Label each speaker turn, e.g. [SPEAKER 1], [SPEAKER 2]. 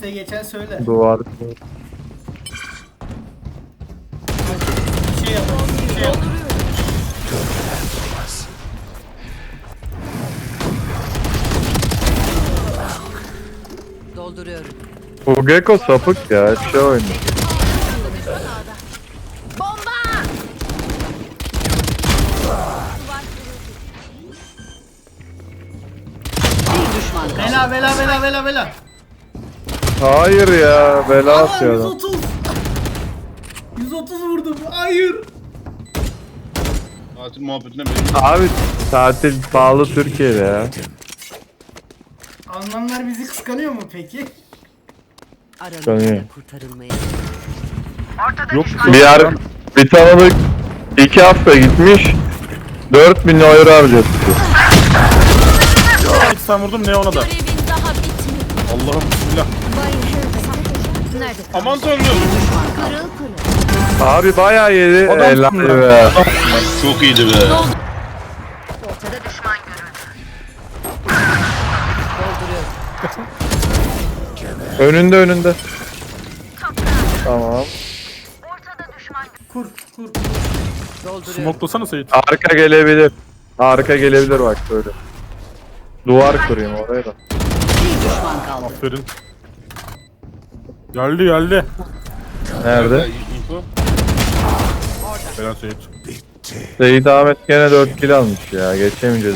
[SPEAKER 1] İşte geçen söyle.
[SPEAKER 2] Duvar.
[SPEAKER 1] Bir şey yapalım. Bir şey yapalım.
[SPEAKER 3] Dolduruyorum.
[SPEAKER 2] Bu Gecko sapık ya. Hep şey oynuyor.
[SPEAKER 3] Bir düşman kaldı.
[SPEAKER 1] Bela bela bela bela bela.
[SPEAKER 2] Hayır ya. Bela
[SPEAKER 1] Aa,
[SPEAKER 2] atıyor adam.
[SPEAKER 1] 130. 130 vurdum. Hayır.
[SPEAKER 4] Tatil muhabbetine benim.
[SPEAKER 2] Abi tatil pahalı Türkiye'de ya.
[SPEAKER 1] Almanlar bizi kıskanıyor mu peki?
[SPEAKER 2] Sanıyor.
[SPEAKER 3] Aranızda kurtarılmaya.
[SPEAKER 5] Yok
[SPEAKER 2] Bir tanıdık 2 hafta gitmiş. 4.000 euro harcadı.
[SPEAKER 5] sen vurdum ne ona da.
[SPEAKER 6] Görevin daha bitmedi.
[SPEAKER 5] Allah'ım bismillah.
[SPEAKER 6] Nerede?
[SPEAKER 4] Aman tanrım.
[SPEAKER 6] Kırıl kırıl.
[SPEAKER 2] Abi bayağı yedi.
[SPEAKER 5] Adam
[SPEAKER 2] Helal
[SPEAKER 5] mısın
[SPEAKER 2] be.
[SPEAKER 4] Çok iyiydi be.
[SPEAKER 6] Ortada düşman görüldü.
[SPEAKER 2] Önünde. Tamam.
[SPEAKER 1] Kur kur.
[SPEAKER 3] Dolduruyorum.
[SPEAKER 5] Smoklasana Seyit.
[SPEAKER 2] Arka gelebilir. Arka gelebilir bak böyle. Duvar kurayım oraya da.
[SPEAKER 3] Bir düşman kaldı.
[SPEAKER 5] Aferin. Geldi.
[SPEAKER 2] Nerede?
[SPEAKER 4] Info.
[SPEAKER 5] Helal Seyit.
[SPEAKER 2] Seyit Ahmet gene 4 kill almış ya. Geçemeyeceğiz